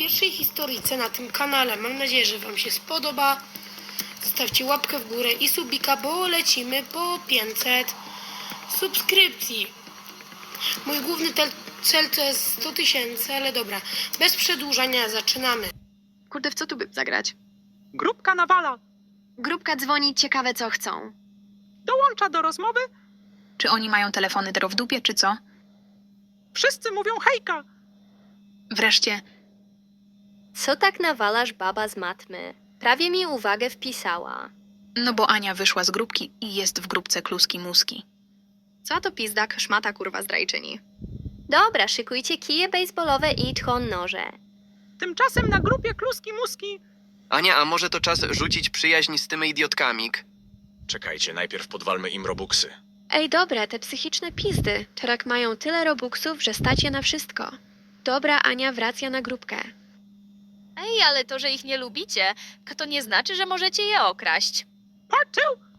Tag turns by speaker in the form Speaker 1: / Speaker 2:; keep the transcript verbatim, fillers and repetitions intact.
Speaker 1: pierwszej historyjce na tym kanale. Mam nadzieję, że wam się spodoba. Zostawcie łapkę w górę i subika, bo lecimy po pięćset subskrypcji. Mój główny cel to jest sto tysięcy, ale dobra. Bez przedłużania zaczynamy.
Speaker 2: Kurde, w co tu by zagrać?
Speaker 3: Grupka nawala.
Speaker 2: Grupka dzwoni, ciekawe co chcą.
Speaker 3: Dołącza do rozmowy.
Speaker 4: Czy oni mają telefony dro w dupie, czy co?
Speaker 3: Wszyscy mówią hejka.
Speaker 4: Wreszcie,
Speaker 5: Co tak nawalasz, baba z matmy? Prawie mi uwagę wpisała.
Speaker 4: no bo Ania wyszła z grupki i jest w grupce kluski muski.
Speaker 2: Co to pizdak, szmata kurwa zdrajczyni.
Speaker 5: Dobra, szykujcie kije baseballowe i tchon noże.
Speaker 3: Tymczasem na grupie kluski muski.
Speaker 6: Ania, a może to czas rzucić przyjaźń z tymi idiotkami?
Speaker 7: Czekajcie, najpierw podwalmy im robuxy.
Speaker 2: Ej, dobre, te psychiczne pizdy. Teraz mają tyle robuxów, że stać je na wszystko. Dobra, Ania wraca na grupkę.
Speaker 8: Ej, ale to, że ich nie lubicie, to nie znaczy, że możecie je okraść.
Speaker 3: Part two.